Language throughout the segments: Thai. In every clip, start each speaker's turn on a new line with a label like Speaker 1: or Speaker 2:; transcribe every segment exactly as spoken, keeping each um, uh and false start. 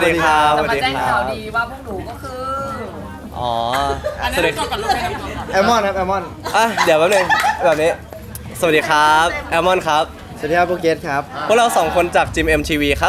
Speaker 1: ดีครับ
Speaker 2: จะมาแจ้งข่าวดีว่าพวกหนูก็คือ
Speaker 1: อ๋อ
Speaker 3: สวัสดีครับ
Speaker 4: แอลมอนครับแอลมอน
Speaker 1: อ่ะเดี๋ยวแป๊บนึงแบบนี้สวัสดีครับแอลมอนครับ
Speaker 4: สวัสดีครับโปรเกสครับ
Speaker 1: พวกเราสองคนจากจิม เอ็ม ที วี ครับ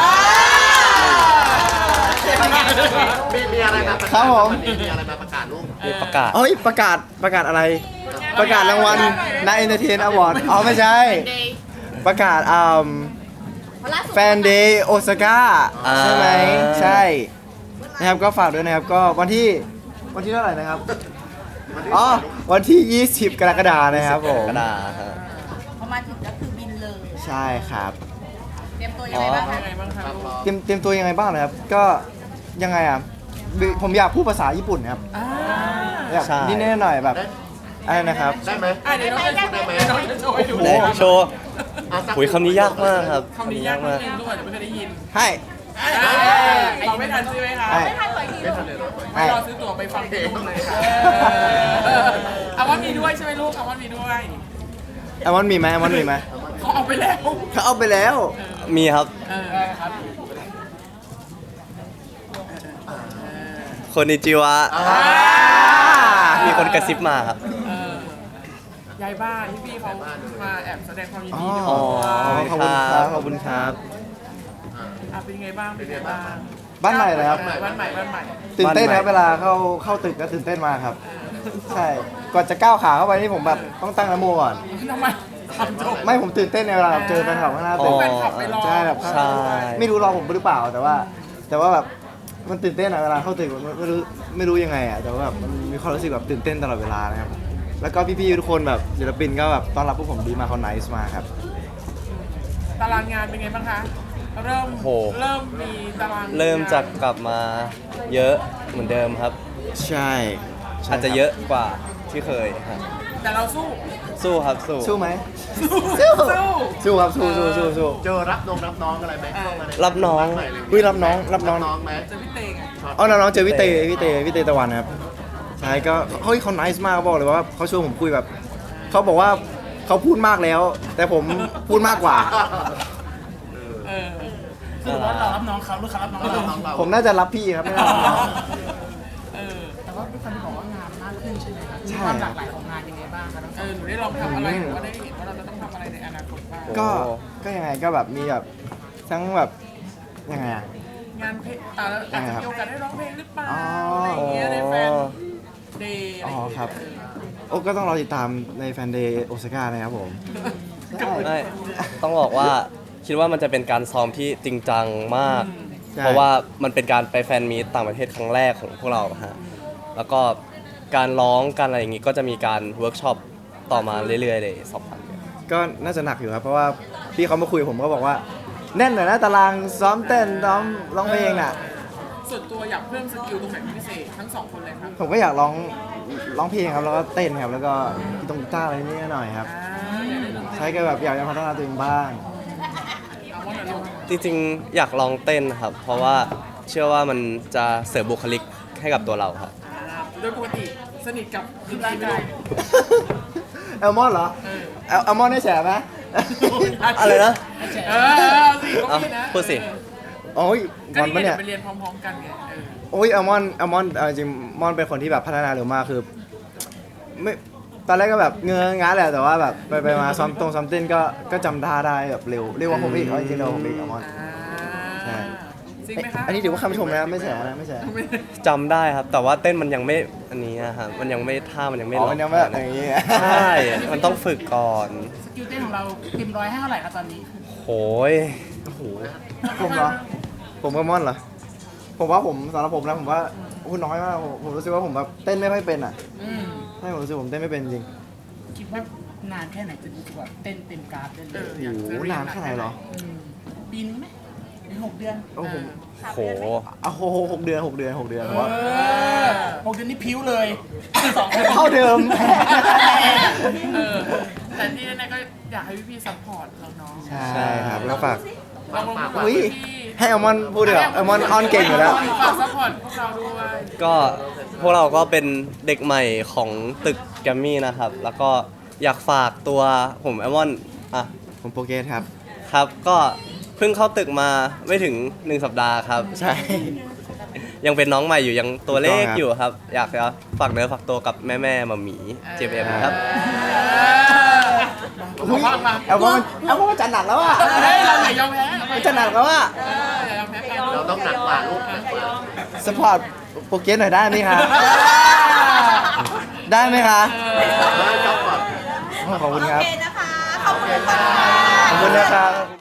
Speaker 3: มีมีอะไรมาประ
Speaker 4: ครั
Speaker 3: กา
Speaker 4: บ
Speaker 3: ศ
Speaker 4: ผม
Speaker 3: วันนี้มีอะไรมาประกาศลูก
Speaker 1: มีประกาศ
Speaker 4: เอ้ยประกาศประกาศอะไร ประกาศรางวัลนายเอนเตอร์เทนอวอร์ดอ๋อไม่ใช่ ประกาศอ่าแฟนเดย์โอซาก้าใช่ไหมใช่นะครับก็ฝากด้วยนะครับก็วันที่วันที่เท่าไหร่นะครับอ๋อวันที่ ยี่สิบ กรกฎาคมนะครับผม
Speaker 1: กระดาษฮะ
Speaker 5: พอมาถึงก็คือบินเลย
Speaker 4: ใช่ครับ
Speaker 5: เตรียมตัวยังไงบ้างคะ
Speaker 4: เตรียมเตรียมตัวยังไงบ้างนะครับก็ยังไงอ่ะผมอยากพูดภาษาญี่ปุ่นครับอยากนิดนิดหน่อยๆแบบอะไรนะครับ
Speaker 3: ได้ไหมได้ไหมได้ไหม
Speaker 1: ไหนโชว์
Speaker 3: อ่ะสัก
Speaker 1: หุยคำนี้ยากมากครับ
Speaker 6: คำนี้ยากมากทุกคนจะไม่เคยได้ยิน
Speaker 4: ให้
Speaker 6: เราไม่ทันใช่ไหมคะ
Speaker 4: ให้
Speaker 3: ไม่ทันเลยเหรอ
Speaker 4: ให้
Speaker 6: รอซื้อตั๋วไปฟังเพลงเลยค่ะอาว่ามีด้วยใช่ไหมลูกอาว่ามีด้วย
Speaker 4: แอลมอนมีไหมแอลมอนมีไหม
Speaker 6: เขาเอาไปแล้ว
Speaker 4: เขาเอาไปแล้ว
Speaker 1: มีครับ
Speaker 6: เออครับ
Speaker 1: คนนิจิวะ
Speaker 3: อ่า
Speaker 1: มีคนกระซิบมาครับ
Speaker 6: เออยายบ้านที่พี่เขามาแอบแสดงความยิน
Speaker 4: อ๋อ
Speaker 6: ดีด้วย
Speaker 1: อ๋อ
Speaker 4: ขอบคุณครับขอบคุณครับ
Speaker 6: อ่ะเป็นยังไงบ้างเป็นยังไงบ้าง
Speaker 4: บ้านใหม่เลยครับ
Speaker 6: บ้านใหม่บ้านใหม่
Speaker 4: ตื่นเต้นครับ
Speaker 1: บ้านใหม่
Speaker 4: เวลาเข้าเข้าตึกก็ตื่นเต้นมากครับ ใช่ก่อนจะก้าวขาเข้าไปนี่ผมแบบต้องตั้งนะโมก่อน
Speaker 6: ทำไมทำจบ
Speaker 4: ไม่ผมตื่นเต้นในเวลาแบบเจอแฟนคลับข้างหน้า
Speaker 1: อ๋
Speaker 4: ตึ
Speaker 1: อ
Speaker 4: ก
Speaker 6: แฟนคลับไปรอ
Speaker 4: ใช่แบบ
Speaker 1: ใช่
Speaker 4: ไม่รู้รอผมหรือเปล่าแต่ว่า แต่ว่าแบบมันตื่นเต้นอะเวลาเข้าตึกมันไม่รู้ไม่รู้ยังไงอะแต่ว่าแบบมันมีความรู้สึกแบบตื่นเต้นตลอดเวลานะครับแล้วก็พี่ๆทุกคนแบบศิลปินก็แบบต้อนรับพวกผมดีมากเขาไนส์มากครับ
Speaker 6: ตารางงานเป็นไงบ้างคะ เริ่ม
Speaker 1: โห
Speaker 6: เริ่มมีตาราง
Speaker 1: เริ่มจากกลับมาเยอะเหมือนเดิมครับ
Speaker 4: ใช่ใช่
Speaker 1: อาจจะเยอะกว่าที่เคยครับ
Speaker 6: แต่เราสู้
Speaker 1: สู้ครับสู้
Speaker 4: สู้ไหม
Speaker 6: สู้
Speaker 4: สู้ครับสู้สู้สู้สู้
Speaker 3: เจอรับน้องรับน้องอะไรไหมเข้ามาใน
Speaker 1: รับน้อง
Speaker 3: ใหม่เลย
Speaker 4: อุ้ยรับน้องรับน้อง
Speaker 3: น้องไหม
Speaker 6: เจอพี่เตงอะ
Speaker 4: อ๋อน้องๆเจอพี่เตพี่เตพี่เตตะวันครับใช่ก็เฮ้ยเขาไนส์มากเขาบอกเลยว่าเขาชวนผมคุยแบบเขาบอกว่าเขาพูดมากแล้ว แต่ผมพูดมากกว่า
Speaker 6: เออ
Speaker 3: คือว่าเรารับน้องเขาหรือเขารับน้องเรา
Speaker 4: ผมน่าจะรับพี่ครับไม่น่ารับน้อง
Speaker 6: เออ
Speaker 5: แต่ว่าเป็นคนที่บอกว่างานมากขึ้นใช่ไหมคะ
Speaker 4: ใช่
Speaker 5: ความหลากหลายของงานยังไงบ้างคะทั้งส
Speaker 6: เอ
Speaker 5: อง
Speaker 6: อหนูได้ลองทำอะไรหรือว่าได้เห็นว่าเราจะต้องทำอะไรในอนาคตบ้าง
Speaker 4: ก็ก็ยังไงก็แบบมีแบบทั้งแบบยังไงอะ
Speaker 6: งานเพลงอ่าแล้วอาจจะมีโอกาสได้ร้องเพลงหรือเปล่า
Speaker 4: อ๋ออ
Speaker 6: อะไรอย่างเงี้ยในแฟนเดย์อะไร
Speaker 4: อ๋
Speaker 6: อ
Speaker 4: อย่าง
Speaker 6: เงี้ย
Speaker 4: ครับโอ้ก็ต้องรอติดตามในแฟนเดย์โอซาก้านะครับผมใช่
Speaker 1: ไม่ต้องบอกว่าคิดว่ามันจะเป็นการซ้อมที่จริงจังมาก
Speaker 4: ใช่
Speaker 1: เพราะว่ามันเป็นการไปแฟนมีตต่างประเทศครั้งแรกของพวกเราฮะแล้วก็การร้องการอะไรอย่างงี้ก็จะมีการเวิร์กช็อปต่อมาเรื่อยๆเลยสองพัน
Speaker 4: ก็น่าจะหนักอยู่ครับเพราะว่าพี่เขามาคุยกับผมก็บอกว่าแน่นหน่อยนะตารางซ้อมเต้นซ้อมร้องเพลงน่ะ
Speaker 6: ส่วนตัวอยากเพิ่มสกิลตรงไหนเป็นพิเศษทั้งสองคนเลยครับ
Speaker 4: ผมก็อยากร้องร้องเพลงครับแล้วก็เต้นครับแล้วก็กีตงกีตาร์อะไรนิดหน่อยครับ
Speaker 6: อ่าอยากได้ดนตรี
Speaker 4: ใช่ก็แบบอยากจะพัฒนาตัวเองบ้าง
Speaker 6: เอาว่าหน่อยลูก
Speaker 1: จริงๆอยากลองเต้นครับ เพราะว่าเชื่อว่ามันจะเสริมบุคลิกให้กับตัวเราครับ
Speaker 6: อ่าโดยปกติสนิทกับดนตรีไหมลูก
Speaker 4: แอลมอนเหรอ
Speaker 6: เออ
Speaker 4: แอลแอลมอนได้แฉไหม
Speaker 1: อะไรนะ
Speaker 6: เออเอาสิก็
Speaker 1: เอา
Speaker 6: มีนะ
Speaker 1: พูดสิ
Speaker 4: โอ้ย
Speaker 6: ก็
Speaker 4: มอน
Speaker 6: นี่ไง
Speaker 4: ปะ
Speaker 6: เดี๋
Speaker 4: เนี่ย
Speaker 6: วย ไปเรียนพร้อมๆกันไงเออ
Speaker 4: โอ้ยแอลมอนแอลมอนเอาจริงมอนเป็นคนที่แบบพัฒนาเร็วมากคือไม่ตอนแรกก็แบบเงื้องาแหละแต่ว่าแบบไปไปมาซ้อมตรงซ้อมเต้นก็ก็จำท่าได้แบบเร็วเร็วกว่าผมอีกเอาจริงๆเร็วกว่าผมอีกแอลมอน ใช่
Speaker 6: จริงไหมคะ
Speaker 4: อันนี้ถือว่าคำชมนะไม่ใช่นะไม่ใช่
Speaker 6: ไม่ได้
Speaker 1: จำได้ครับ แต่ว่าเต้นมันยังไม่อันนี้นะครับมันยังไม่ท่ามันยังไม่
Speaker 4: อ๋อ
Speaker 1: ล็
Speaker 4: มั
Speaker 1: อก
Speaker 4: นยังไม่แบบอย่างนี้
Speaker 1: ใช่ มันต้องฝึกก่อน
Speaker 5: สกิลเต้นของเราเต็มร้อยให้เท่าไหร่คะตอนนี้
Speaker 1: โหย
Speaker 4: โอ้โหผมเหรอผมกับมอนเหรอผมว่าผมสำหรับผมนะผมว่าคุณน้อยมากผมผมรู้สึกว่าผมแบบเต้นไม่ค่อยเป็นอ่ะ
Speaker 5: อืม
Speaker 4: ใช่ผมรู้สึกผมเต้นไม่เป็นจริง
Speaker 5: คิดว่านานแค่ไหนจะรู้สึกว่าเต้นเต็มกราฟได้เล
Speaker 6: เอย อ
Speaker 4: โอ้
Speaker 6: อยาก
Speaker 4: โห
Speaker 6: จะเรีย
Speaker 4: นานแค่ไหนเหรอ
Speaker 5: มปีนึงไหมหรือหกเดือน
Speaker 4: โอ้โห
Speaker 1: โห
Speaker 4: อ่ะโหหกเดือนหกเดือนหกเดือนผมว่า
Speaker 5: เออหกเดือนนี่พิ้วเลยสองคน
Speaker 4: เท่าเดิม
Speaker 6: เออแต่ที่แน่ๆก็อยากให้พี่ๆซัพพอร์ตเราเนาะ
Speaker 4: ใช่ครับแล้วฝาก
Speaker 6: ลองลงมา
Speaker 4: อุ้ย
Speaker 6: พี่
Speaker 4: ให้อัลมอนพูดดีกว่าอัลมอนออนเก่งอยู่แล้ว
Speaker 6: ฝากซัพพอร์ตพวกเราด้วย
Speaker 1: ก็พวกเราก็เป็นเด็กใหม่ของตึกแกรมมี่นะครับ แล้วก็อยากฝากตัวผมแอมอนอ่ะ
Speaker 4: ผมโปรเกสครับ
Speaker 1: ครับก็เพิ่งเข้าตึกมาไม่ถึงหนึ่งสัปดาห์ครับ
Speaker 4: ใช่
Speaker 1: ยังเป็นน้องใหม่อยู่ยังตัวเลข
Speaker 4: ถูกต้องครับ
Speaker 1: อยู่ครับ อยากจะฝากเนื้อฝากตัวกับแม่แม่ๆมาหมีเจมเอ็มครับ
Speaker 4: อุ๊ยเอาว่ามันเอาว่ามันจัดหนักแล้วอ่ะ
Speaker 6: เฮ้ยเราอย่ายอมแพ้
Speaker 4: มันจัดหนักแล้วอ่ะ
Speaker 6: เอออย่ายอมแพ้กัน
Speaker 3: เราต้องหนักกว่าลูกหนักกว่า
Speaker 4: สปอร์ตโปรเกรสหน่อยได้ไหมคะ ได้ไหมคะ
Speaker 3: ได้ครับก่อน
Speaker 4: ขอบคุณครับ
Speaker 7: โอเคนะคะ ขอบคุณค่ะ
Speaker 4: ขอบคุณนะครับ